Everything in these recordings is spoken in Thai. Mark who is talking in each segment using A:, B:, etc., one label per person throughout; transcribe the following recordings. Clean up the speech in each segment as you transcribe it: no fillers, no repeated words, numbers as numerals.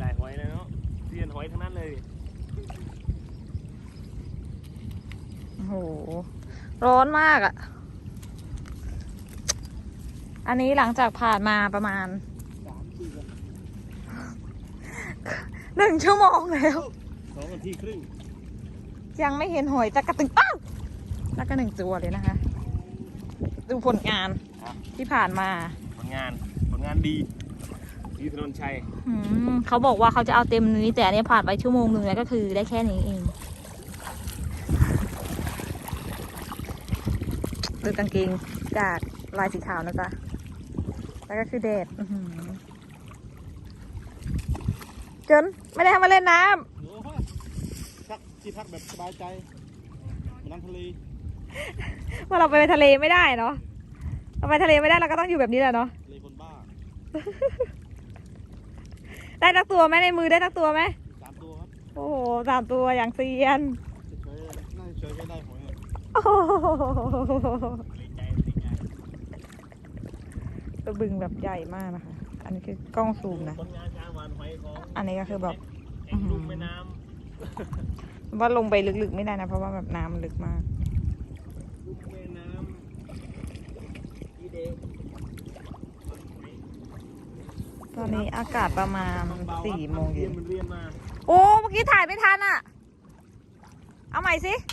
A: หลายหอยเลยเนาะเซียนหอยทั้งนั้นเลย
B: โอ้โหร้อนมากอ่ะอันนี้หลังจากผ่านมาประมาณ1 ชั่วโมงแล้ว
A: 2 นาทีครึ่ง
B: ยังไม่เห็นหอยจักกระตึงอ้าวแล้วก็1 ตัวเลยนะคะ ดูผลงานที่ผ่านมา
A: ผลงานดีถนนชัย
B: เขาบอกว่าเขาจะเอาเต็มนี้แต่อันนี้ผ่านไป1 ชั่วโมงแล้วก็คือได้แค่นี้เองดูกางเกงจากลายสีขาวนะจ๊ะแล้วก็คือแดดจนไม่ได้ทำมาเล่นน้
C: ำพักที่พักแบบสบายใจน้ำทะเล
B: ว่าเราไปทะเลไม่ได้เนาะเราไปทะเลไม่ได้เราก็ต้องอยู่แบบนี้แหละเนาะ
C: ทะเลคนบ้า
B: ได้ตักตัวไหมในมือได้ตักตัวไหม
C: 3 ตัวครับ
B: โอ้โห3 ตัวอย่างเซียน
C: น่าจะเฉยได้หอยเลย
B: ตัวบึงแบบใหญ่มากนะคะอันนี้คือกล้องซูมนะอันนี้ก็คือแบบ
A: ลุ่มแม่น้
B: ำว่าลงไปลึกๆไม่ได้นะเพราะว่าแบบน้ำลึกมาก
A: ลุ่มแม่น้ำอีเด
B: ตอนนี้อากาศประมาณ4 โมงเย็นโอ้เมื่อกี้ถ่ายไม่ทันอ่ะเอาใหม่สิ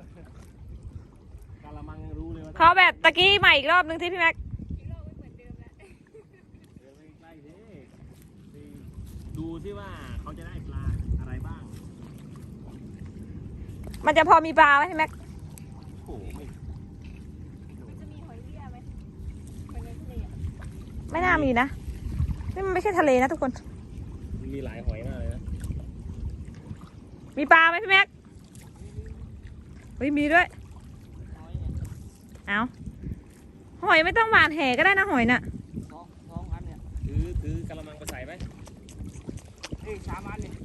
B: เขาแบบตะกี้ใหม่อีกรอบนึงที่พี่แม็ก
A: ดูซิว่าเขาจะได้ปลาอะไรบ้าง
B: มันจะพอมีปลาไหมพี่แม็ก
A: โอ้ไม่
D: จะมีหอยเบี้ยไหมหอยในทะเล
B: ไม่น่ามีนะนี่มันไม่ใช่ทะเลนะทุกคน
A: มีหลายหอยมากเลยนะ
B: มีปลาไหมพี่แม็กเฮ้ยมีด้วยเอาหอยไม่ต้องหวานแหก็ได้นะหอยน่ะ
C: 2 อันเนี่ย
A: ถือกระมังไปใส่ไหม
C: 3 อันเนี่ย